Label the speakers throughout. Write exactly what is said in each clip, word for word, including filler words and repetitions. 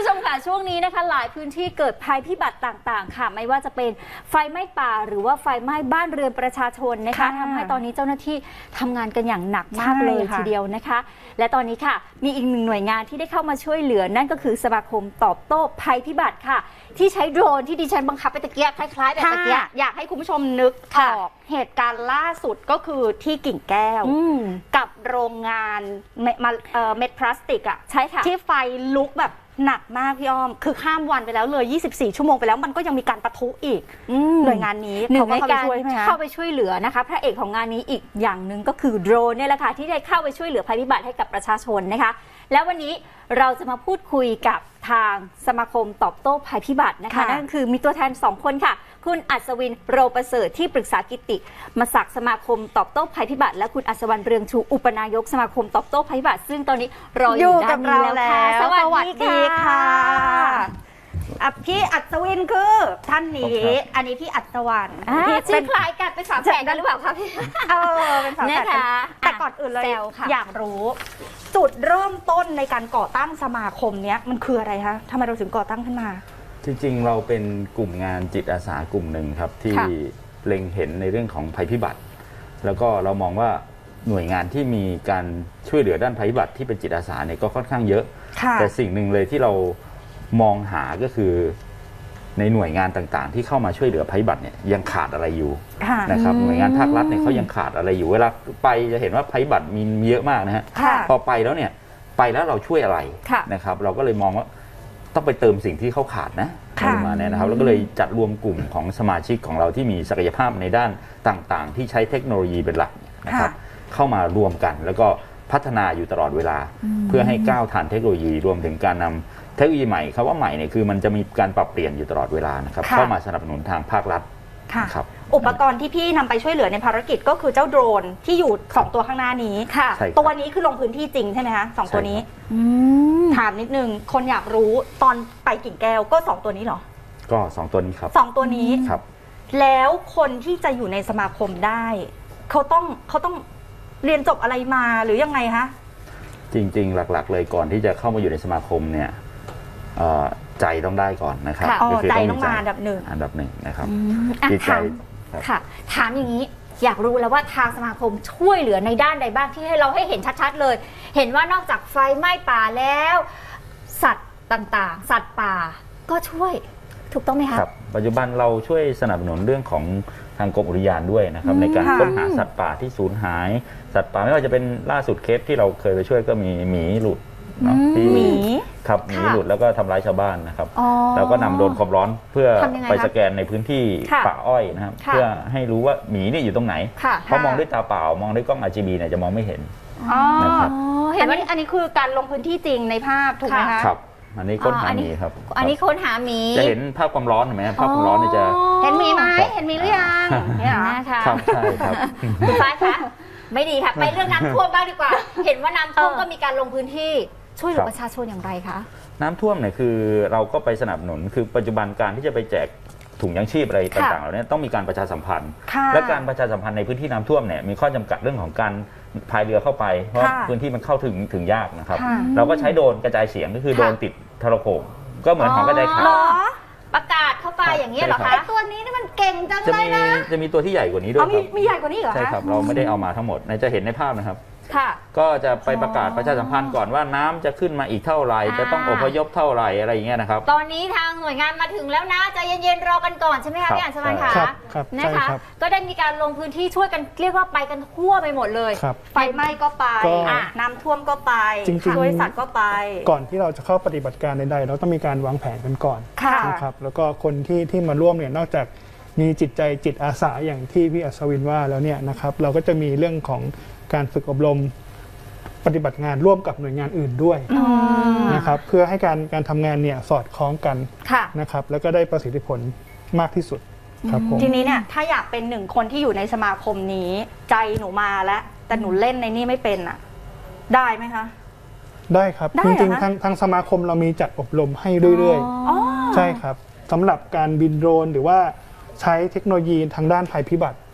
Speaker 1: ชมค่ะช่วงนี้นะคะหลายพื้นที่เกิดภัยพิบัติต่างๆค่ะไม่ว่าจะเป็นไฟไหม้ป่าหรือว่าไฟไหม้บ้านเรือนประชาชนนะคะทำให้ตอนนี้เจ้าหน้าที่ทำงานกันอย่างหนักมากเลยทีเดียวนะคะและตอนนี้ค่ะมีอีกหนึ่งหน่วยงานที่ได้เข้ามาช่วยเหลือนั่นก็คือสมาคมตอบโต้ภัยพิบัติค่ะที่ใช้โดรนที่ดิฉันบังคับไปตะเกียบคล้ายๆแบบตะเกียบ
Speaker 2: อยากให้คุณผู้ชมนึกออกเหตุการณ์ล่าสุดก็คือที่กิ่งแก้วกับโรงงานเม็ดพลาสติกอ่ะใช่ค่ะที่ไฟลุกแบบหนักมากพี่อ้อมคือข้ามวันไปแล้วเลยยี่สิบสี่ชั่วโมงไปแล้วมันก็ยังมีการปะทุอีกหน่วยงานนี้
Speaker 1: หนึ่งในการ
Speaker 2: เข้า
Speaker 1: เข้าไปช่วยเหลือนะคะพระเอกของงานนี้อีกอย่างหนึ่งก็คือโดรนเนี่ยแหละค่ะที่ได้เข้าไปช่วยเหลือภัยพิบัติให้กับประชาชนนะคะแล้ววันนี้เราจะมาพูดคุยกับทางสมาคมตอบโต้ภัยพิบัตินะคะนั่นคือมีตัวแทนสองคนค่ะคุณอัศวินโรประเสริฐที่ปรึกษากิติมศักดิ์สมาคมตอบโต้ภัยพิบัติและคุณอัศวรรณเรืองชูอุปนายกสมาคมตอบโต้ภัยพิบัติซึ่งตอนนี้รออยู่ด้านนี้แล้วค่ะสวัสดีค่ะ
Speaker 2: พี่อัศวินคือท่านนี้อันนี้พี่อัศวรรณ
Speaker 1: พี่ชื่อคล้ายกันเป็นฝาแฝดกันหรือเปล่าคะพี่
Speaker 2: เออเป็นฝาแฝดกันแต่ก่อนอื่นเลยอยากรู้จุดเริ่มต้นในการก่อตั้งสมาคมเนี้ยมันคืออะไรคะทำไมเราถึงก่อตั้งขึ้นมา
Speaker 3: จริงๆเราเป็นกลุ่มงานจิตอาสากลุ่มหนึ่งครับที่เล็งเห็นในเรื่องของภัยพิบัติแล้วก็เรามองว่าหน่วยงานที่มีการช่วยเหลือด้านภัยพิบัติที่เป็นจิตอาสาเนี่ยก็ค่อนข้างเยอะแต่สิ่งหนึ่งเลยที่เรามองหาก็คือในหน่วยงานต่างๆที่เข้ามาช่วยเหลือภัยพิบัติเนี่ยยังขาดอะไรอยู่นะครับหน่วยงานภาครัฐเนี่ยเขายังขาดอะไรอยู่เวลาไปจะเห็นว่าภัยพิบัติมีเยอะมากนะฮะพอไปแล้วเนี่ยไปแล้วเราช่วยอะไรนะครับเราก็เลยมองว่าต้องไปเติมสิ่งที่เขาขาดนะประมาณนี้นะครับแล้วก็เลยจัดรวมกลุ่มของสมาชิกของเราที่มีศักยภาพในด้านต่างๆที่ใช้เทคโนโลยีเป็นหลักนะครับเข้ามารวมกันแล้วก็พัฒนาอยู่ตลอดเวลาเพื่อให้ก้าวทันเทคโนโลยีรวมถึงการนำเทคโนโลยีใหม่คำว่าใหม่เนี่ยคือมันจะมีการปรับเปลี่ยนอยู่ตลอดเวลานะครับเข้ามาสนับสนุนทางภาครัฐ
Speaker 2: ครับอุปกรณ์ที่พี่นำไปช่วยเหลือในภารกิจก็คือเจ้าโดรนที่อยู่สองตัวข้างหน้านี้ตัวนี้คือลงพื้นที่จริงใช่ไหมคะสองตัวนี้ถามนิดนึงคนอยากรู้ตอนไปกิ่งแก้วก็สองตัวนี้เหรอ
Speaker 3: ก็สองตัวนี้ครับ
Speaker 2: สองตัวนี้
Speaker 3: ครับ
Speaker 2: แล้วคนที่จะอยู่ในสมาคมได้เขาต้องเขาต้องเรียนจบอะไรมาหรือยังไงคะ
Speaker 3: จริงๆหลักๆเลยก่อนที่จะเข้ามาอยู่ในสมาคมเนี่ยใจต้องได้ก่อนนะครับ
Speaker 2: ใจต้องมาอันดับหนึ่ง
Speaker 3: อันดับหนึ่งนะครับ
Speaker 1: จิตใจค่ะถามอย่างนี้อยากรู้แล้วว่าทางสมาคมช่วยเหลือในด้านใดบ้างที่ให้เราให้เห็นชัดๆเลยเห็นว่านอกจากไฟไหม้ป่าแล้วสัตว์ต่างๆสัตว์ป่าก็ช่วยถูกต้องไหมคะ
Speaker 3: ครับปัจจุบันเราช่วยสนับสนุนเรื่องของทางกรมอุทยานด้วยนะครับในการค้นหาสัตว์ป่าที่สูญหายสัตว์ป่าไม่ว่าจะเป็นล่าสุดเคสที่เราเคยไปช่วยก็มีหมีหลุด
Speaker 2: ที่หมี
Speaker 3: ครับหมีหลุดแล้วก็ทำร้ายชาวบ้านนะครับเราก็นำโดรนความร้อนเพื่อไปสแกนในพื้นที่ป่าอ้อยนะครับเพื่อให้รู้ว่าหมีนี่อยู่ตรงไหนเพราะมองด้วยตาเปล่ามองด้วยกล้อง อาร์ จี บี เนี่ยจะมองไม่เห็น
Speaker 2: นะครับเห็นว่าอันนี้คือการลงพื้นที่จริงในภาพถูกไหมคะ
Speaker 3: ครับอันนี้ค้นหาหมีครับ
Speaker 1: อันนี้ค้นหาหมี
Speaker 3: จะเห็นภาพความร้อนเห็นไหมภาพความร้อนเนี่ยจะ
Speaker 2: เห็นหมีไหมเห็นหมีหรือยัง
Speaker 1: เนี่ยนะคะ
Speaker 3: ครับใช่ครับ
Speaker 1: คุณฟ้าคะไม่ดีค่ะไปเรื่องน้ำท่วมบ้างดีกว่าเห็นว่าน้ำท่วมก็มีการลงพื้นที่ช่วยเหลือประชาชนอย่างไรคะ
Speaker 3: น้ำท่วมเนี่ยคือเราก็ไปสนับสนุนคือปัจจุบันการที่จะไปแจกถุงยังชีพอะไรต่างๆเหล่านี้ต้องมีการประชาสัมพันธ์และการประชาสัมพันธ์ในพื้นที่น้ำท่วมเนี่ยมีข้อจำกัดเรื่องของการพายเรือเข้าไปเพราะพื้นที่มันเข้าถึงถึงยากนะครับเราก็ใช้โดรนกระจายเสียงก็คือโดรนติดโทรโข่งก็เหมือนของกระจายข่าว
Speaker 1: ประกาศเข้าไปอย่างนี้เหรอคะไอตัวนี้นี่มันเก่งจังเลยนะ
Speaker 3: จะมีตัวที่ใหญ่กว่านี้ด้วยครับ
Speaker 2: มีใหญ่กว่านี้เหรอ
Speaker 3: ใช่ครับเราไม่ได้เอามาทั้งหมดจะเห็นในภาพนะครับก็จะไปประกาศประชาสัมพันธ์ก่อนว่าน้ำจะขึ้นมาอีกเท่าไหร่จะต้องอพยพเท่าไหร่อะไรอย่างเงี้ยนะครับ
Speaker 1: ตอนนี้ทางหน่วยงานมาถึงแล้วนะใจเย็นๆรอกันก่อนใช่ไหมคะพี่อัญชลันคะนะคะก็ได้มีการลงพื้นที่ช่วยกันเรียกว่าไปกันทั่วไปหมดเลย
Speaker 2: ไฟไหม้ก็ไปน้ำท่วมก็ไปช่วยสัตว์ก็ไป
Speaker 4: ก่อนที่เราจะเข้าปฏิบัติการใดๆเราต้องมีการวางแผนกันก่อนนะครับแล้วก็คนที่ที่มาร่วมเนี่ยนอกจากมีจิตใจจิตอาสาอย่างที่พี่อัศวินว่าแล้วเนี่ยนะครับเราก็จะมีเรื่องของการฝึกอบรมปฏิบัติงานร่วมกับหน่วยงานอื่นด้วยนะครับเพื่อให้การการทำงานเนี่ยสอดคล้องกันนะครับแล้วก็ได้ประสิทธิผลมากที่สุดครับผม
Speaker 2: ทีนี้เนี่ยถ้าอยากเป็นหนึ่งคนที่อยู่ในสมาคมนี้ใจหนูมาแล้วแต่หนูเล่นในนี่ไม่เป็นอ่ะได้ไหมคะ
Speaker 4: ได้ครับจริงๆทางทางสมาคมเรามีจัดอบรมให้เรื่อยๆใช่ครับสำหรับการบินโดรนหรือว่าใช้เทคโนโลยีทางด้านภัยพิบัติ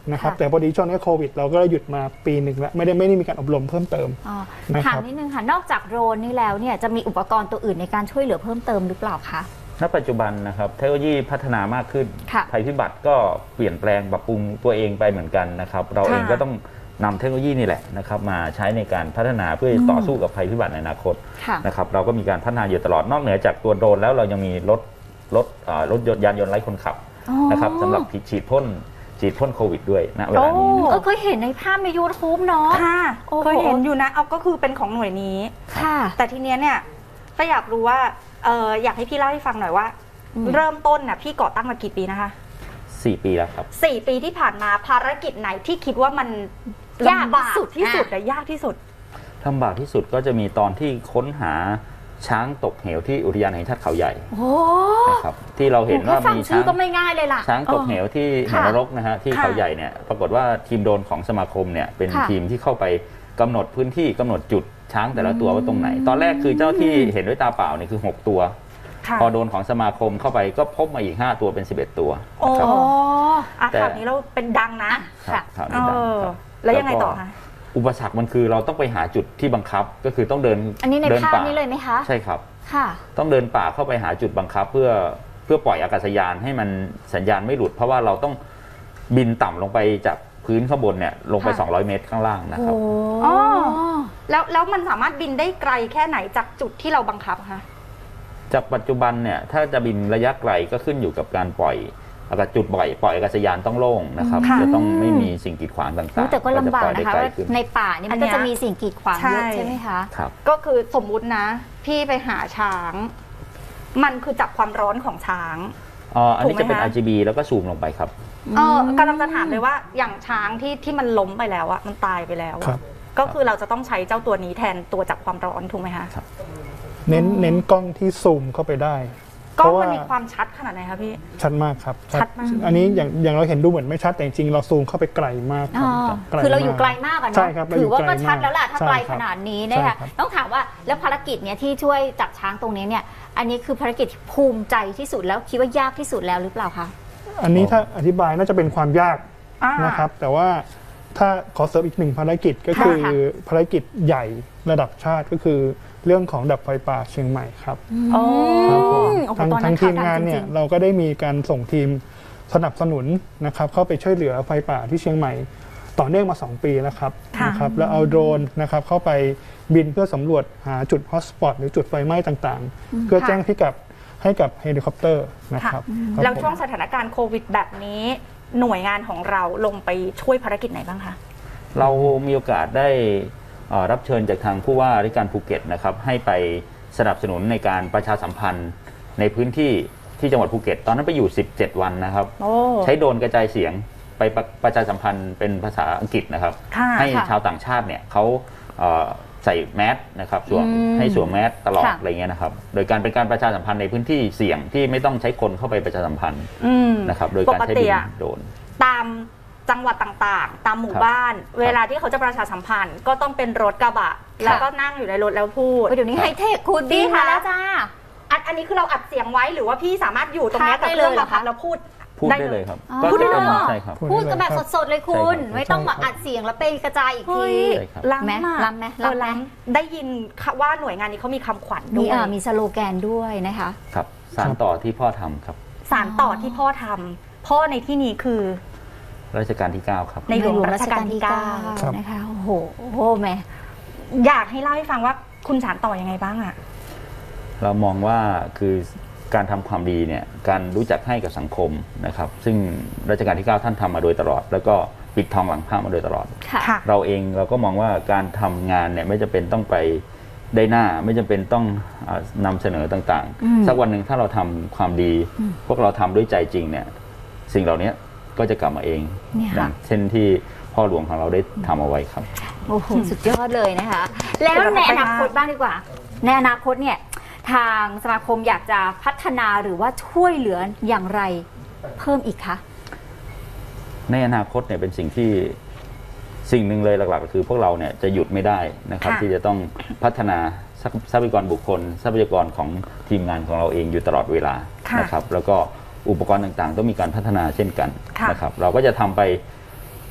Speaker 4: นะครับ
Speaker 1: ค่ะ
Speaker 4: แต่พอดีช่วงนี้โควิดเราก็หยุดมาปีหนึ่งแล้วไม่ได้ไม่ได้มีการอบรมเพิ่มเติม
Speaker 1: อ๋อ
Speaker 4: นะครับ
Speaker 1: ถามนิดนึงค่ะ นอกจากโดรนนี่แล้วเนี่ยจะมีอุปกรณ์ตัวอื่นในการช่วยเหลือเพิ่มเติมหรือเปล่าคะ
Speaker 3: ณปัจจุบันนะครับเทคโนโลยีพัฒนามากขึ้น
Speaker 1: ค่ะ
Speaker 3: ภัยพิบัติก็เปลี่ยนแปลงปรับปรุงตัวเองไปเหมือนกันนะครับเราเองก็ต้องนำเทคโนโลยีนี่แหละนะครับมาใช้ในการพัฒนาเพื่อต่อสู้กับภัยพิบัติในอนาคต
Speaker 1: ค่ะ
Speaker 3: นะครับเราก็มีการพัฒนาอยู่ตลอดนอกเหนือจากตัวโดรนแล้วเรายังมีรถรถเอ่อรถยนต์ยานยนต์ไร้คนขับ
Speaker 1: อ๋อ
Speaker 3: นะครับสำหรับฉีดพ่นฉีดพ่นโควิดด้วยณเวลานี้นะ
Speaker 1: เอ
Speaker 3: ครั
Speaker 1: อบ เคยเห็นในภาพใน YouTube เนาะ
Speaker 2: ค่ะ
Speaker 1: โอ้โห
Speaker 2: เคยเห็นอยู่นะเอาก็คือเป็นของหน่วยนี้
Speaker 1: ค่ะ
Speaker 2: แต่ทีเนี้ยเนี่ยก็อยากรู้ว่าเอออยากให้พี่เล่าให้ฟังหน่อยว่า
Speaker 1: อืม
Speaker 2: เริ่มต้นน่ะพี่ก่อตั้งมากี่ปีนะคะ
Speaker 3: สี่ปีแล้วครับ
Speaker 2: สี่ปีที่ผ่านมาภารกิจไหนที่คิดว่ามัน
Speaker 1: ยาก
Speaker 2: ลำบาก
Speaker 1: ที่สุด
Speaker 2: ที่สุด
Speaker 1: อ่ะ
Speaker 2: แต่ยากที่สุด
Speaker 3: ลำบากที่สุดก็จะมีตอนที่ค้นหาช้างตกเหวที่อุทยานแห่งชาติเขาใหญ่
Speaker 1: โอ้
Speaker 3: นะครับที่เราเห็นว่า
Speaker 1: แค่ฟัง
Speaker 3: มี
Speaker 1: ชื่
Speaker 3: ช้า
Speaker 1: อง ก็ไม่ง่ายเลยล่ะ
Speaker 3: ช้างตกเหวที่เห
Speaker 1: ค่ะ
Speaker 3: วนรกนะฮะที่
Speaker 2: ค่ะ
Speaker 3: เขาใหญ่เนี่ยปรากฏว่าทีมโดรนของสมาคมเนี่ยเป็น
Speaker 1: ค่ะ
Speaker 3: ทีมที่เข้าไปกำหนดพื้นที่กำหนดจุดช้างแต่ละตัวว่าตรงไหน ตอนแรกคือเจ้าที่เห็นด้วยตาเปล่าเนี่ยคือหกตัว
Speaker 2: ค่ะ
Speaker 3: พอโดรนของสมาคมเข้าไปก็พบมาอีกห้าตัวเป็นสิบเอ็ดตัว
Speaker 2: โอ้
Speaker 3: นะครับ
Speaker 2: อ่ะ
Speaker 3: แต่
Speaker 2: ข่าวนี้เราเป็นดังนะ
Speaker 3: ครับ
Speaker 1: ค่ะ
Speaker 3: ข่าว
Speaker 2: เอ
Speaker 3: นี้ดัง
Speaker 2: อ
Speaker 3: ครับ
Speaker 2: แล้วยังไงต่อ
Speaker 3: ก็
Speaker 2: คะ
Speaker 3: อุปสรรคมันคือเราต้องไปหาจุดที่บังคับก็คือต้องเดิน
Speaker 1: อันนี้ใน
Speaker 3: เดิ
Speaker 1: ภาพ
Speaker 3: ป่า
Speaker 1: นี้เลยไหมคะ
Speaker 3: ใช่ครับ
Speaker 1: ค่ะ
Speaker 3: ต้องเดินป่าเข้าไปหาจุดบังคับ เพื่อเพื่อปล่อยอากาศยานให้มันสัญญาณไม่หลุด เพราะว่าเราต้องบินต่ำลงไปจากพื้นข้างบนเนี่ยลงไป
Speaker 1: ค่ะ
Speaker 3: สองร้อยเมตรข้างล่างนะครับ
Speaker 2: อ๋อ แล้วแล้วมันสามารถบินได้ไกลแค่ไหนจากจุดที่เราบังคับคะ
Speaker 3: จากปัจจุบันเนี่ยถ้าจะบินระยะไกลก็ขึ้นอยู่กับการปล่อยอากาศจุดปล่อยปล่อยอากาศยานต้องโล่งนะครับ
Speaker 2: ค่ะ
Speaker 3: จะต้องไม่มีสิ่งกีดขวางต่างๆ
Speaker 1: แต่ก็ลำบาก
Speaker 3: จปล่อยได้
Speaker 1: นะคะ
Speaker 3: ไกล
Speaker 1: ว่า
Speaker 3: ขึ้น
Speaker 1: ในป่านี่มัน
Speaker 2: อันเนี้
Speaker 1: ก็
Speaker 2: ย
Speaker 1: จะมีสิ่งกีดขวางเยอะ
Speaker 2: ใช่
Speaker 1: ใช่ไหมคะ
Speaker 3: ครับ
Speaker 2: ก็คือสมมุตินะ พี่ไปหาช้าง มันคือจับความร้อนของช้าง
Speaker 3: อ๋ออันนี้จะเป็น
Speaker 2: ถูกไหมคะ
Speaker 3: อาร์ จี บี แล้วก็ซูมลงไปครับ
Speaker 2: เออกำลังจะถามเลยว่าอย่างช้างที่ที่มันล้มไปแล้วอะมันตายไปแล้วอะ
Speaker 4: ครับ
Speaker 2: ก็คือเราจะต้องใช้เจ้าตัวนี้แทนตัวจับความร้อนถูกไหมคะ
Speaker 4: เน้นเน้นกล้องที่ซูมเข้าไปได้
Speaker 2: กล้อง
Speaker 4: เพราะ
Speaker 2: มัน
Speaker 4: ว่า
Speaker 2: มีความชัดขนาดไหนคะพี่
Speaker 4: ชัดมากครับ
Speaker 2: ชัดมาก
Speaker 4: อันนี้อย่างอย่างเราเห็นดูเหมือนไม่ชัดแต่จริงๆเราซูมเข้าไปไกลมากค
Speaker 1: อ๋
Speaker 4: รั
Speaker 1: อบ
Speaker 4: ไกล
Speaker 1: คือเราอยู่ไกลมากอะ
Speaker 4: ใช่
Speaker 1: เนาะ
Speaker 4: ครับเราอ
Speaker 1: ถื
Speaker 4: ยู่
Speaker 1: อว่า
Speaker 4: ไกล
Speaker 1: ก็ชัด
Speaker 4: มาก
Speaker 1: แล้วล่ะถ้า
Speaker 4: ใช่
Speaker 1: ไกล
Speaker 4: ค
Speaker 1: ข
Speaker 4: รับ
Speaker 1: นาดนี้
Speaker 4: ใช่
Speaker 1: นะคะ
Speaker 4: ครับ
Speaker 1: ต้องถามว่าแล้วภารกิจเนี่ยที่ช่วยจับช้างตรงนี้เนี่ย อันนี้คือภารกิจที่ภูมิใจที่สุดแล้วคิดว่ายากที่สุดแล้วหรือเปล่าคะ
Speaker 4: อันนี้ถ้าอธิบายน่าจะเป็นความยาก
Speaker 2: อ่า
Speaker 4: นะครับ แต่ว่าถ้าขอเสริมอีกหนึ่งภารกิจก็คือ
Speaker 1: ค่ะ
Speaker 4: ภารกิจใหญ่ระดับชาติก็คือเรื่องของดับไฟป่าเชียงใหม่ครับ
Speaker 2: โอ้
Speaker 4: ครับผม
Speaker 1: โอ้โห
Speaker 4: ทาง
Speaker 1: ตอนนั้
Speaker 4: ทาง
Speaker 1: น
Speaker 4: ที
Speaker 1: ข่าว
Speaker 4: ม
Speaker 1: ดัง
Speaker 4: งาน
Speaker 1: จ
Speaker 4: เนี่
Speaker 1: ริ
Speaker 4: ย
Speaker 1: ง
Speaker 4: เราก็ได้มีการส่งทีมสนับสนุนนะครับเข้าไปช่วยเหลือไฟป่าที่เชียงใหม่ ต่อเนื่องมาสองปีแล้วครับ
Speaker 2: ค่ะ
Speaker 4: นะครับแล้วเอาโดรนนะครับเข้าไปบินเพื่อสำรวจหาจุดฮอตสปอตหรือจุดไฟไหม้ต่างๆ เพื่อแจ้งพิกัดให้กับเฮลิคอปเตอร์นะครับครับ
Speaker 2: แล้ว
Speaker 4: ผม
Speaker 2: ช่วงสถานการณ์โควิดแบบนี้ หน่วยงานของเราลงไปช่วยภารกิจไหนบ้างคะ
Speaker 3: เรามีโอกาสได้เอ่อรับเชิญจากทางผู้ว่าราชการภูเก็ตนะครับให้ไปสนับสนุนในการประชาสัมพันธ์ในพื้นที่ที่จังหวัดภูเก็ต ตอนนั้นไปอยู่สิบเจ็ดวันนะครับ
Speaker 2: โอ้
Speaker 3: ใช้โดรนกระจายเสียงไปประประชาสัมพันธ์เป็นภาษาอังกฤษนะครับ
Speaker 2: ค่ะ
Speaker 3: ให้
Speaker 1: ค่ะ
Speaker 3: ชาวต่างชาติเนี่ยเขาเอ่อใส่แมสนะครับสวม
Speaker 1: อืม
Speaker 3: ให้สวมแมสตลอด
Speaker 1: ค่ะ
Speaker 3: อะไรเงี้ยนะครับโดยการเป็นการประชาสัมพันธ์ในพื้นที่เสี่ยงที่ไม่ต้องใช้คนเข้าไปประชาสัมพันธ์
Speaker 2: อืม
Speaker 3: นะครับโดยการใช้
Speaker 2: ปกติ
Speaker 3: บิน
Speaker 2: อะ
Speaker 3: โดรน
Speaker 2: ตามจังหวัดต่างๆ ตามหมู่
Speaker 3: ครับ
Speaker 2: บ้าน เวลาที่เขาจะประชาสัมพันธ์ ก็ต้องเป็นรถกระบะ แล้วก็นั่งอยู่ในรถแล้วพูด
Speaker 1: โอ้ยเดี๋ยวนี้ไฮเทคคุณ
Speaker 2: ดี
Speaker 1: ดี
Speaker 2: ค่ะ
Speaker 1: ค่ะแล้วจ้า
Speaker 2: อันอันนี้คือเราอัดเสียงไว้หรือว่าพี่สามารถอยู่ตรงเนี้ย
Speaker 1: พากย์
Speaker 2: กับ
Speaker 1: ได้
Speaker 2: เครื่อง
Speaker 1: เลยเหร
Speaker 2: บั
Speaker 1: อง
Speaker 2: คับ
Speaker 1: คะ
Speaker 2: แล้วพูด
Speaker 3: พูดได้เลยครับ
Speaker 1: อ๋อ
Speaker 3: ก็
Speaker 2: พูดได้
Speaker 3: จะ
Speaker 2: เลยเหรอ
Speaker 3: ใช่ครับ
Speaker 4: พูด
Speaker 1: พูดกันแบบสดๆเลยคุณ
Speaker 3: ใช่ครับ
Speaker 1: ไม่ต้องมาอัดเสียงแล้วไปกระจายอีก
Speaker 2: เฮ้
Speaker 1: ที
Speaker 2: ย
Speaker 3: ใช่ครับ
Speaker 2: ล้ำ
Speaker 1: ไหม
Speaker 2: มาก
Speaker 1: ล้ำไหม
Speaker 2: เออ
Speaker 1: ล้ำไหม
Speaker 2: ล้ำได้ยินว่าหน่วยงานนี้เขามีคำขวัญด้
Speaker 1: มี
Speaker 2: วย
Speaker 1: เอ่อมีสโลแกนด้วยนะคะ
Speaker 3: ครับสารต่อที่พ่อทำครับ
Speaker 2: สารต่อที่พ่อทำพ่อในที่นี้คือ
Speaker 3: รัชกาลที่เก้าครับ
Speaker 2: ในหลวงรัชกาลที่เก้า
Speaker 4: ครับ
Speaker 1: นะคะโอ้โหโอ้โหแม่
Speaker 2: อยากให้เล่าให้ฟังว่าคุณสารต่อยังไงบ้างอะ
Speaker 3: เรามองว่าคือการทำความดีเนี่ยการรู้จักให้กับสังคมนะครับซึ่งรัชกาลที่เก้าท่านทำมาโดยตลอด แล้วก็ปิดทองหลังพระมาโดยตลอด
Speaker 1: ค่ะ
Speaker 2: ค่ะ
Speaker 3: เราเองเราก็มองว่าการทำงานเนี่ยไม่จำเป็นต้องไปได้หน้า ไม่จำเป็นต้องเอ่อนำเสนอต่าง
Speaker 1: อืม
Speaker 3: ๆ สักวันหนึ่งถ้าเราทำความดี
Speaker 1: อืม
Speaker 3: พวกเราทำด้วยใจจริงเนี่ยสิ่งเหล่านี้ก็จะกลับมาเอง
Speaker 1: เนี่ย
Speaker 3: อ
Speaker 1: ค่ะ
Speaker 3: ย่างเช่นที่พ่อหลวงของเราได้ทำเอาไว้ครับ
Speaker 1: โอ้โหสุดยอดเลยนะคะ แล้วในอนาคตบ้างดีกว่า ในอนาคตเนี่ยทางสมาคมอยากจะพัฒนาหรือว่าช่วยเหลืออย่างไรเพิ่มอีกคะ
Speaker 3: ในอนาคตเนี่ยเป็นสิ่งที่สิ่งหนึ่งเลยหลักๆก็คือพวกเราเนี่ยจะหยุดไม่ได้นะครับ
Speaker 2: ค่ะ
Speaker 3: ที่จะต้องพัฒนาทรัพทรัพยากรบุคคล ทรัพยากรของทีมงานของเราเองอยู่ตลอดเวลา
Speaker 2: ค่ะ
Speaker 3: นะครับแล้วก็อุปกรณ์ต่างๆ ต้องมีการพัฒนาเช่นกัน
Speaker 2: ค่ะ
Speaker 3: นะครับเราก็จะทำไป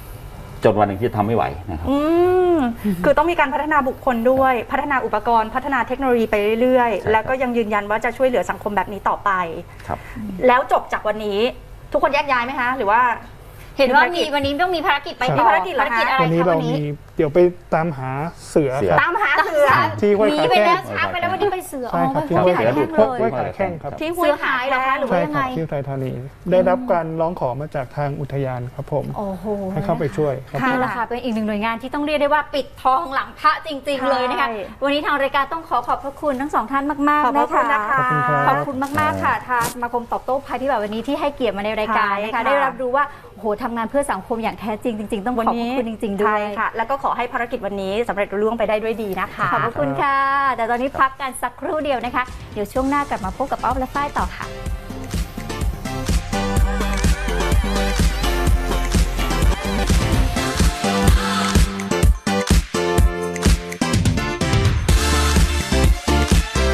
Speaker 3: จนวันหนึ่งที่ทำไม่ไหวนะครับ
Speaker 2: อืมคือต้องมีการพัฒนาบุคคลด้วย พัฒนาอุปกรณ์พัฒนาเทคโนโลยีไปเรื่อย
Speaker 3: ใช่ครับ
Speaker 2: ๆ แล้วก็ยังยืนยันว่าจะช่วยเหลือสังคมแบบนี้ต่อไป
Speaker 3: ครับ
Speaker 2: แล้วจบจากวันนี้ทุกคนแยกย้ายไหมคะหรือว่า
Speaker 1: เห็นว่า
Speaker 2: ภารกิ
Speaker 1: มี
Speaker 2: จ
Speaker 1: วันนี้ต้องมีภารกิจไป
Speaker 4: ครับ
Speaker 1: ต่อ
Speaker 2: มีภารกิจเหรอคะ
Speaker 1: ภารกิจอะไร
Speaker 4: วันนี้
Speaker 1: คะ
Speaker 4: เรา
Speaker 1: วันนี้
Speaker 4: มีเดี๋ยวไปตามหาเสือ
Speaker 3: เสือ
Speaker 4: ครับ
Speaker 2: ตามหาเสือ
Speaker 4: ที่ห้วย
Speaker 1: หนี
Speaker 4: ขา
Speaker 1: ไป
Speaker 4: แข้
Speaker 1: แล้ว
Speaker 4: ง
Speaker 1: ช้าไปแล้ววันนี้ไปเสือ
Speaker 4: ใช่ครับ
Speaker 1: อ๋อ
Speaker 4: ที่
Speaker 1: ไป
Speaker 4: ห้วย
Speaker 1: หา
Speaker 4: ขา
Speaker 1: แข้ง
Speaker 4: แข้ง
Speaker 1: เลย
Speaker 4: ห้วยขาแข้งครับ
Speaker 2: ที่ห้
Speaker 1: เสื
Speaker 2: วย
Speaker 1: อหายเหรอคะหรือ
Speaker 4: ใช่
Speaker 1: ว่ายัง
Speaker 4: ค
Speaker 1: ไง
Speaker 4: รับที่อุทัยธานีได้รับการร้องขอมาจากทางอุทยานครับผม
Speaker 1: โอ้โห
Speaker 4: ให้เข้าไปช่วยครับ
Speaker 1: นี่แหละค่ะเป็นอีกหนึ่งหน่วยงานที่ต้องเรียกได้ว่าปิดทองหลังพระจริง ๆ เลยนะคะ
Speaker 2: ใช่
Speaker 1: วันนี้ทางรายการต้องขอขอบพระคุณทั้งสองท่านมาก
Speaker 2: ขอบ
Speaker 1: ๆ
Speaker 2: พ
Speaker 1: นะ
Speaker 2: ระคุณ
Speaker 1: คะ
Speaker 2: นะคะ
Speaker 4: ขอบคุณครับ
Speaker 1: ขอบคุณมาก ๆ ค่ะทางสมาคมตอบโต้ภัยพิบัติวันนี้ที่ให้เกียรติมาในรายการนะ
Speaker 2: ใช่
Speaker 1: คะ
Speaker 2: ค่ะ
Speaker 1: ได้รับรู้ว่าโอ้โหทำงานเพื่อสังคมอย่างแท้จริงจริง ๆ ต้องขอบพระคุณจริง ๆ ด้ว
Speaker 2: ใช่
Speaker 1: ย
Speaker 2: ค่ะ แล้วก็ขอให้ภารกิจวันนี้สำเร็จรุ่ล่วงไปได้ด้วยดีนะคะ
Speaker 1: ขอบพระคุณค่ะ แต่ตอนนี้พักกันสักครู่เดียวนะคะ เดี๋ยวช่วงหน้ากลับมาพบกับอ้อมและฝ้ายต่อค่ะ